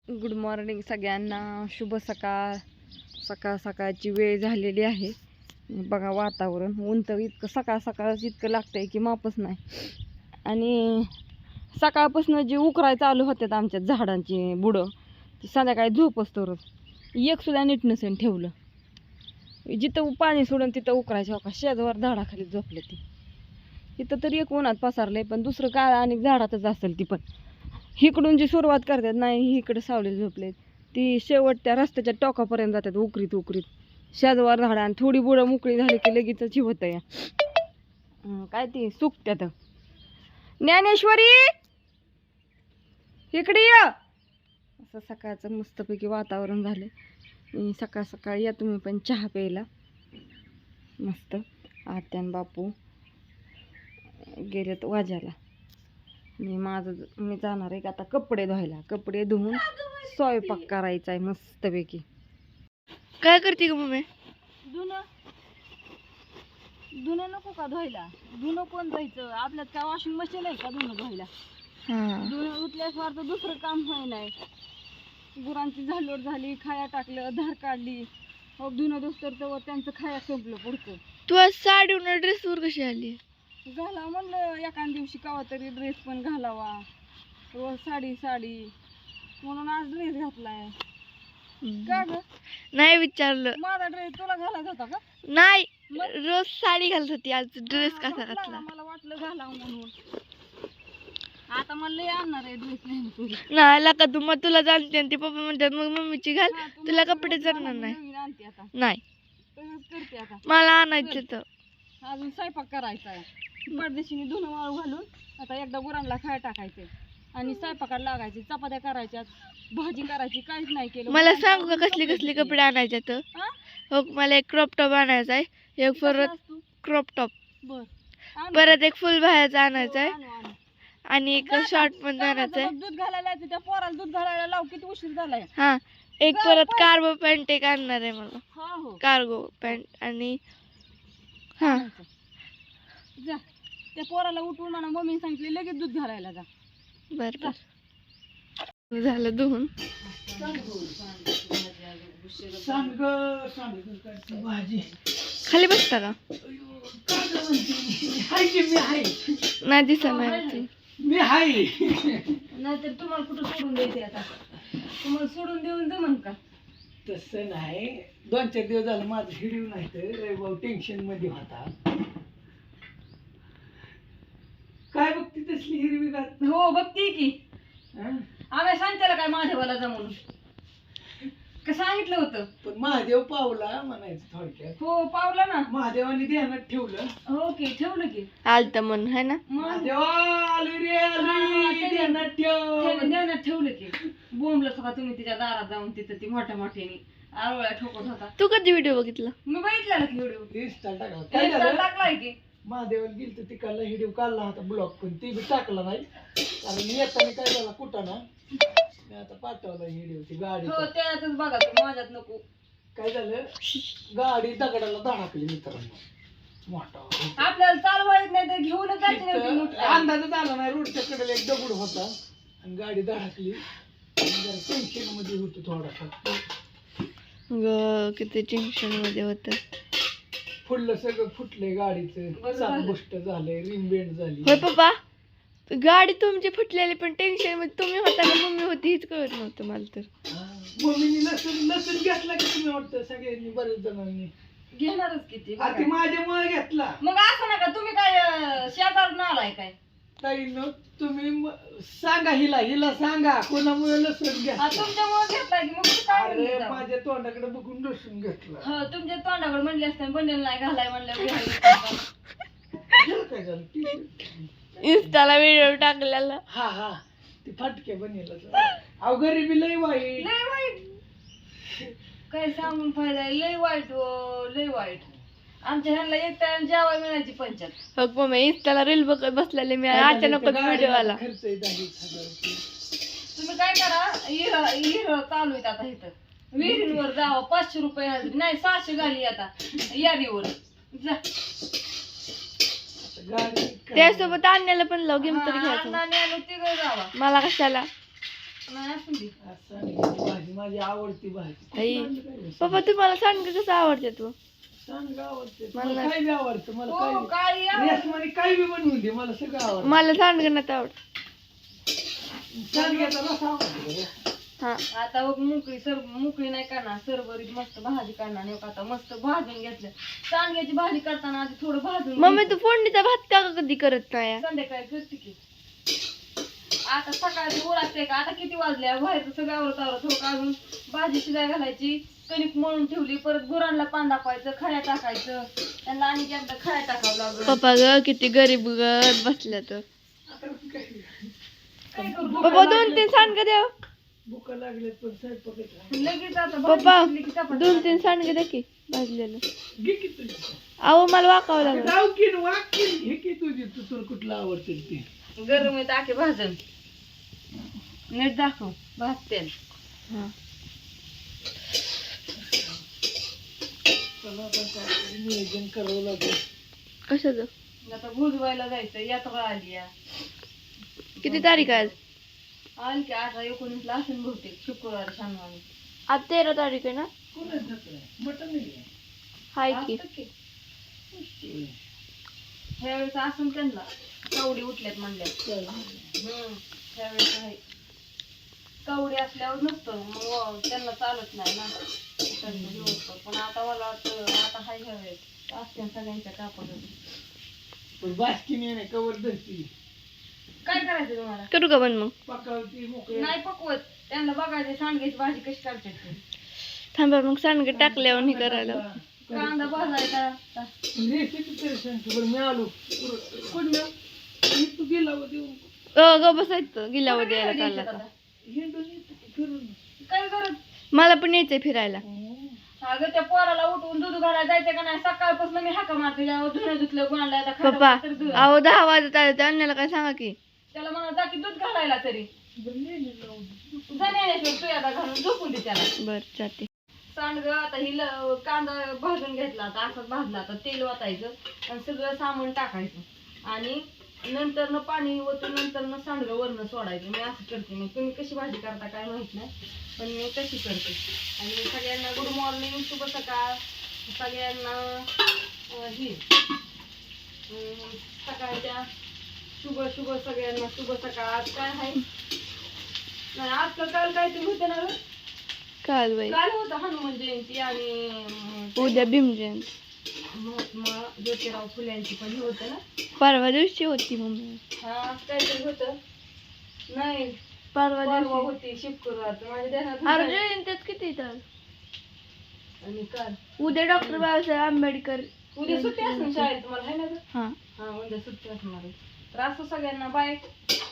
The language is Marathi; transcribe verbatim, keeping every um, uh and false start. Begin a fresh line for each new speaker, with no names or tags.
गुड मॉर्निंग सगळ्यांना, शुभ सकाळ. सकाळ सकाळची वेळ झालेली आहे. बघा वातावरण, ऊन तर इतकं सकाळ सकाळच इतकं लागतंय की मापच नाही. आणि सकाळपासून जे उकराय चालू होतात आमच्या झाडांची बुडं, ती संध्याकाळी झोप असतोच. एक सुद्धा नीट नसेल ठेवलं. जिथं पाणी सोडून तिथं उकरायचं. हो का, शेजावर झाडाखाली झोपले ती. इथं तरी एक उन्हात पसारलंय, पण दुसरं काय आणि झाडातच असेल ती. पण इकडून जी सुरुवात करतात नाही, इकडे सावली झोपले ती शेवट त्या रस्त्याच्या टोकापर्यंत जातात उकरीत उकरीत. शेजवार झाडं आणि थोडी बुडं मोकळी झाली की लगेच होत या काय ती सुकत्यात. ज्ञानेश्वरी इकडे या. असं सकाळचं मस्तपैकी वातावरण झालं. सकाळ सकाळी या तुम्ही पण चहा प्यायला. मस्त आत्यान बापू गेलेत वाजायला. मी माझं मी जाणार आहे आता कपडे धुवायला. कपडे धुवून स्वयंपाक करायचा आहे मस्तपैकी.
काय करते ग मम्मी?
धुणं धुणं नको का धुवायला? धुणं कोण धुवायचं? आपल्यात काय वॉशिंग मशीन आहे का धुणं धुवायला? धुणं धुतल्याशिवाय तर दुसरं काम व्हाय नाही. गुरांची झालोड झाली, खाया टाकलं, धार काढली, मग धुणं दुसतर तर त्यांचं खाया संपलं पुढचं.
तू आज साडीवर ड्रेसवर कशी आली?
घाला म्हणलं एखाद दिवशी कावा तरी ड्रेस पण घालावा. रोज साडी साडी म्हणून आज ड्रेस घातलाय. का ग?
नाही विचारलं.
माझा ड्रेस तुला घालायचा होता का?
नाही, रोज साडी घालत होती, आज ड्रेस कसा घातला?
मला वाटलं घालावं म्हणून. आता मला लय आणणार आहे ड्रेस. नाही
नाही लका तू मग तुला जाणते आणि ते पप्पा म्हणतात मग मम्मीची घाल. तुला कपडे जरणार नाही. नाही
करते आता.
मला आणायचं तर
अजून स्वयंपाक करायचा आहे. परदेशीने धुणं वाळू घालून आता एकदा गुरांना खाया टाकायचे आणि स्वयंपाकाला लागायचे. चपात्या करायच्या, भाजी करायची, काहीच नाही केलं.
मला सांगू का कसले कसले कपडे आणायचे तर? हो, मला एक क्रॉप टॉप आणायचा आहे, एक परत क्रॉप टॉप,
बर
परत एक फुल बाहेरचा आणायचा आहे आणि एक शॉर्ट पण आणायचा आहे.
दूध घालायला त्या पोराला दूध घालायला लाव. किती उशीर झालाय.
हा, एक परत कार्गो पॅन्ट एक आणणार आहे मला.
हा हो,
कार्गो पॅन्ट. आणि हा
जा त्या पोराला उठवून म्हणा मम्मी सांगितले लगेच दूध घालायला जा.
बर बर झालं धुवून. खाली बसता का? नाही दिसत नाही
मी हाय.
नाहीतर तुम्हाला कुठं सोडून द्यायचे आता? तुम्हाला सोडून देऊन जमन का?
तसं नाही, दोन चार दिवस झालं माझं हिडीव नाही तर भाऊ टेन्शन मध्ये होता. काय बघती तसली हिरवी गात?
हो बघते की.
हं?
आम्ही सांगितलं काय महादेवाला जा म्हणून? का सांगितलं होतं?
पण महादेव पावला म्हणायचं थोडक्यात.
हो पावला ना.
महादेवाने ध्यानात ठेवलं.
हो की ठेवलं की.
आलत मन है ना.
महादेवा आली रे आली, ध्यानात ठेव.
ध्यानात ठेवलं की. बोंबलं का तुम्ही तिच्या दारात जाऊन तिथं ती मोठ्या मोठ्याने आरोळ्या ठोकत होता.
तू कधी व्हिडिओ बघितला?
मी बघितला की व्हिडिओ.
इंस्टा टाकला. काय झालं?
टाकलाय की.
महादेवाला गेलं तर तिकडला हिडीव काढला होता ब्लॉक, पण ती बी टाकला नाही. कारण येताना काय झाला कुठं ना, मी आता पाठवला हिडीव ती गाडी.
हो त्यातच बघा तू, माझ्यात नको.
काय झालं, गाडी दगडाला धडकली मित्रांनो. मोठा
आपल्याला चालवा येत नाही तर घेऊनच जायची नव्हती
तिथं
मोठी.
अंदाजच आला नाही. रोडच्या कडेला एक दगड होता आणि गाडी धडकली. जरा टेन्शन मध्ये होतो थोडासा.
ग किती टेन्शन मध्ये होत.
फुडलं सगळं फुटलंय गाडीचं.
बरं
चाक
झालं.
गोष्ट झालंय, रिम बेंड झाली.
होय पप्पा, गाडी तुमची फुटलेली पण टेन्शन मध्ये तुम्ही होता का मम्मी होती हीच कळत नव्हतं मला तर.
हा. मम्मीने लसूण लसूण घेतला की तुम्ही वाटतं सगळ्यांनी, बरेच जणांनी.
घेणारच किती.
आता माझ्यामुळे घेतला.
मग असं नका तुम्ही काय अं, शेजारून आलाय काय?
ताईनं तुम्ही म- सांगा हिला हिला सांगा कोणामुळे लसूण
हा,
घेतला.
तुमच्यामुळे घेतलाय की मग कुठं काय
अरे
म्हणले जाऊ?
माझ्या तोंडाकडे बघून लसूण घेतला.
हो तुमच्या तोंडाकडे म्हणले असते बंडल नाही घालाय म्हणलं
काय झालं? टी-शर्ट.
इन्स्टाला व्हिडिओ टाकलेला.
हा हा ती फाटके बनेल. अहो गरिबी लय वाईट.
लय वाईट. काय सांगून फायदा आहे? लय वाईट हो, लय वाईट. आमच्या ह्यांना एक टाइम जेवाय मिळायची पंचायत.
हो मम्मी इन्स्टाला रील बघत बसलेले मी,
काय झालं?
अचानकच
त्या
व्हिडिओ
गाडीला
आला.
खर्च आहे दहावीस हजार रुपये.
तुम्ही काय करा, इर इर चालू आहेत आता इथं. विहिरींवर जावा, पाचशे रुपये हजरी नाही सहाशे झाली आता यादीवर. जा
गाडी
त्यासोबत आणण्याला पण लाव, गेम तरी
हा,
घ्यायचं.
अण्णाने आणून तिघं जावा.
मला कशाला?
नाही असून दे.
आज सांडग्याची भाजी माझी आवडती भाजी.
आई.
सांडगं काय नाही.
पप्पा तुम्हाला सांडगे कसं आवडते तू
सांडगं आवडते
मला
मला काय बी आवडतं मला
हो
काय
काळी आवड.
रेसमध्ये काय बी बनवून दे मला सगळं आवडतं.
मला सांडगे नाही आवडत.
सांडग्याचा रस आवडतो.
हा
आता बघ मोकळी सर मोकळी नाही करणार सरभरीत मस्त भाजी करणार नाही का आता मस्त भाजून घेतलं सांडग्याची भाजी करताना आधी थोडं भाजून
मम्मी
घ्यायचं.
तू फोडणीचा भात का कधी करत नाही
संध्याकाळी करते की आता सकाळची ओळखते का आता किती वाजल्या बाहेरचं सगळं आवरत आवरत थोडं काढून भाजी शिजाय घालायची कणिक मळून ठेवली परत गुरांना पान दाखवायचं खड्या टाकायचं त्यांना आणि एकदा खड्या टाकावं लागलं
पप्पा ग किती गरीब गत बसल्या तर
आता काय
काय करू
पप्पा दोन तीन सांडगे द्या
भुका लागले पण स्वयंपाक
लगेच आता
पप्पा
भाजी शिजली की चपाती
दोन तीन सांडगे द्या की भाजलेलं
घे की तुझी
अहो मला वाकावं लागलं
जाऊ की न वाक की न. घे की तुझी तू तुला कुठलं आवडते ते
गरम आहे टाके भाजून नीट दाखव भाजते
हा
चला आता काहीतरी नियोजन करावं लागेल.
कशाचं
आता भुजवायला जायचं यात्रा आली या
किती तारीख आहे आज
आली की अठरा एकोणीसला असेल बहुतेक शुक्रवार शनिवारी
आज तेरा तारीख आहे ना
कोणाच जत्रा आहे? मटण आहे
हाय की
असतं की.
का?
ह्यावेळेस असून त्यांना कवडी उठल्यात म्हणल्या
चला.
हम्म ह्यावेळेस आहे कवडी असल्यावर नसतं मग व- त्यांना चालत नाही ना त्यांचं दिवसभर. पण आता मला वाटतं आता हाय ह्यावेळेस असते सगळ्यांच्या कापड
पण बासकीने नाही कवर धरती
काय करायचं तुम्हाला
करू का बंद मग
पकावती मोकळे
नाही पकवत त्यांना बघायचं सांगायची भाजी कशी करतात ते.
थांबा मग सांडगे टाकल्यावर हे करायला
कांदा भाजायचा
रेसिपी तरी सांगतो बरं मी आलो
कुठलं
मी तू गेला व देऊन
अ ग बसायचं गिलावर द्यायला चालला
आता?
आता.
हिंडून येतो की फिरून
काय करत
मला पण यायचंय फिरायला
अगं त्या पोराला उठवून दूध घालायला जायचं का नाही सकाळपासून मी हाका मारते त्यावर धुणं धुतलं कोणाला आता खायला
पप्पा
तर दूध.
अहो दहा वाजत आले त्या अन्याला काय सांगा की
त्याला म्हणा जा की दूध घालायला तरी
बरं नेले लावून
जाण्याशिवाय तू आता घालून झोपून दे त्याला
बर जाते
सांडग आता ही ल- कांदा भाजून घेतला आता असंच भाजला आता तेल वाटायचं आणि सगळं सामान टाकायचं आणि नंतर न पाणी ओतून नंतर न सांडगं वरनं सोडायचं मी असं करते मी तुम्ही कशी भाजी करता काय माहित नाही पण मी कशी करते आणि सगळ्यांना गुड मॉर्निंग शुभ सकाळ सगळ्यांना अं, ही अं, सकाळच्या शुभ शुभ सगळ्यांना शुभ सकाळ आज काय आहे नाही आज का काल काहीतरी होतं ना गं?
काल बाई
काल होतं हनुमान जयंती आणि अं,
उद्या भीम जयंती
महात्मा ज्योतिराव फुल्यांची पण हे होतं ना
परवा दिवशी होती मम्मी
हा आज काहीतरी होतं नाही
परवा
परवा
दिवशी
होती शुक्रवारचं माझ्या ध्यानात
अरे
नाही.
जयंतीच किती तर
आणि काल
उद्या डॉक्टर बाबासाहेब आंबेडकर
उद्या सुट्टी असणार शाळेत तुम्हाला आहे ना गं?
हा
हा उद्या सुट्टी असणार आहे तर असं सगळ्यांना बाय